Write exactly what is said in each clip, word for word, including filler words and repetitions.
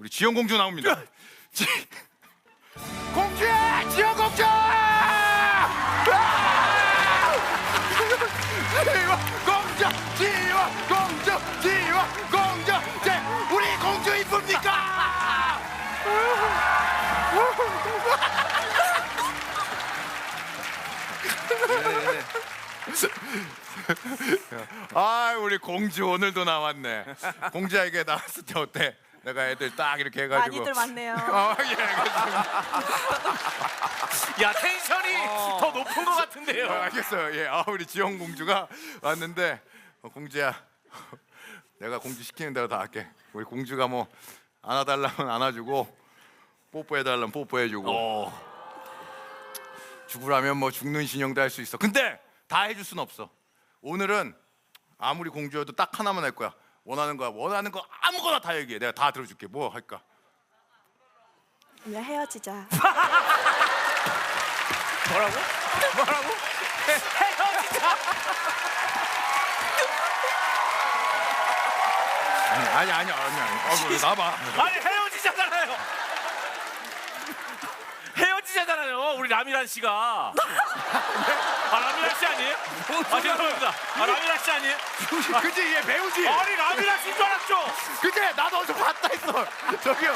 우리 지영 공주 나옵니다. 지... 공주야, 지영 공주! 지원 공주, 지원 공주, 지원 공주, 제 우리 공주 이쁩니까? 아, 우리 공주 오늘도 나왔네. 공주에게 나왔을 때 어때? 내가 애들 딱 이렇게 해가지고 많이들 많네요. 어, 예, 알겠습니다. 야, 텐션이 어. 더 높은 것 같은데요. 어, 알겠어요. 예, 아, 우리 지영 공주가 왔는데 어, 공주야, 내가 공주 시키는 대로 다 할게. 우리 공주가 뭐 안아달라면 안아주고 뽀뽀해달라면 뽀뽀해주고 어. 죽으라면 뭐 죽는 신용도 할 수 있어. 근데 다 해줄 순 없어. 오늘은 아무리 공주여도 딱 하나만 할 거야. 원하는 거야. 원하는 거 아무거나 다 얘기해. 내가 다 들어줄게. 뭐 할까? 오늘 헤어지자. 뭐라고? 뭐라고? 헤어지자. 아니 아니 아니 아니 아니. 어, 나봐. 아니, 헤어지자잖아요. 헤어지자잖아요. 우리 라미란 씨가. 아, 라미란 씨 아니에요? 아, 죄송합니다. 아, 라미란 씨 아니에요? 그지, 얘 배우지. 아니, 라미란 씨인 줄 알았죠. 그지, 나도 어디서 봤다 했어. 저기요.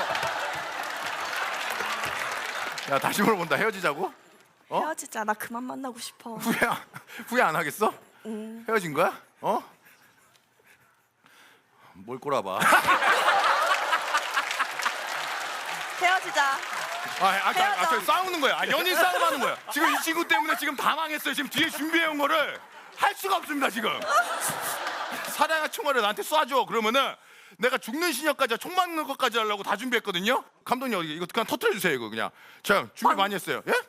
야, 다시 물어본다. 헤어지자고? 어? 헤어지자. 나 그만 만나고 싶어. 후회 안, 후회 안 하겠어? 응. 헤어진 거야? 어? 뭘 꼬라봐. 헤어지자. 아, 아까 헤어져. 아까 싸우는 거야. 아, 연인 싸움하는 거야. 지금 이 친구 때문에 지금 다 망했어요. 지금 뒤에 준비해온 거를 할 수가 없습니다. 지금 사랑의 총알을 나한테 쏴줘. 그러면은 내가 죽는 신역까지 총 맞는 것까지 하려고 다 준비했거든요. 감독님, 이거 그냥 터트려 주세요. 이거 그냥 자, 준비 많이 했어요. 예?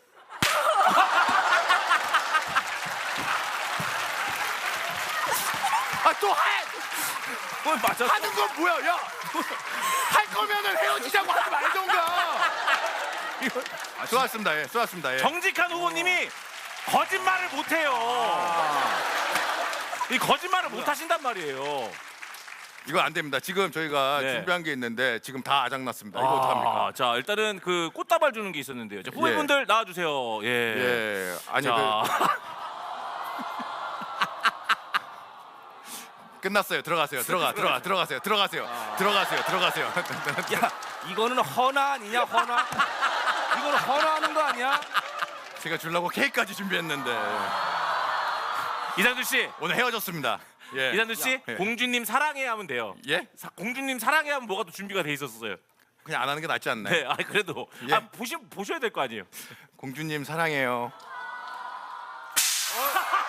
아, 또 해! 뭘 맞아? 하는 건 뭐야? 야, 할 거면은 헤어지자고 하지 말던가. 수고하셨습니다. 예, 수고하셨습니다. 예. 정직한 후보님이 거짓말을 못해요. 이 거짓말을 못 하신단 말이에요. 이거 안 됩니다. 지금 저희가 네. 준비한 게 있는데 지금 다 아작났습니다. 이거 어떡합니까? 자, 일단은 그 꽃다발 주는 게 있었는데요. 자, 후배분들 나와주세요. 예. 예, 아니 자, 그, 끝났어요. 들어가세요. 들어가, 들어가, 들어가세요. 들어가세요. 들어가세요. 들어가세요. 야, 이거는 허나 아니냐, 허나? 이거는 허나하는 거 아니야? 제가 주려고 케이크까지 준비했는데 이상준 씨, 오늘 헤어졌습니다. 예. 이상준 씨, 예. 공주님 사랑해 하면 돼요. 예? 사, 공주님 사랑해 하면 뭐가 또 준비가 돼 있었어요. 그냥 안 하는 게 낫지 않나요? 네, 아 그래도 예. 아 보시 보셔야 될 거 아니에요. 공주님 사랑해요.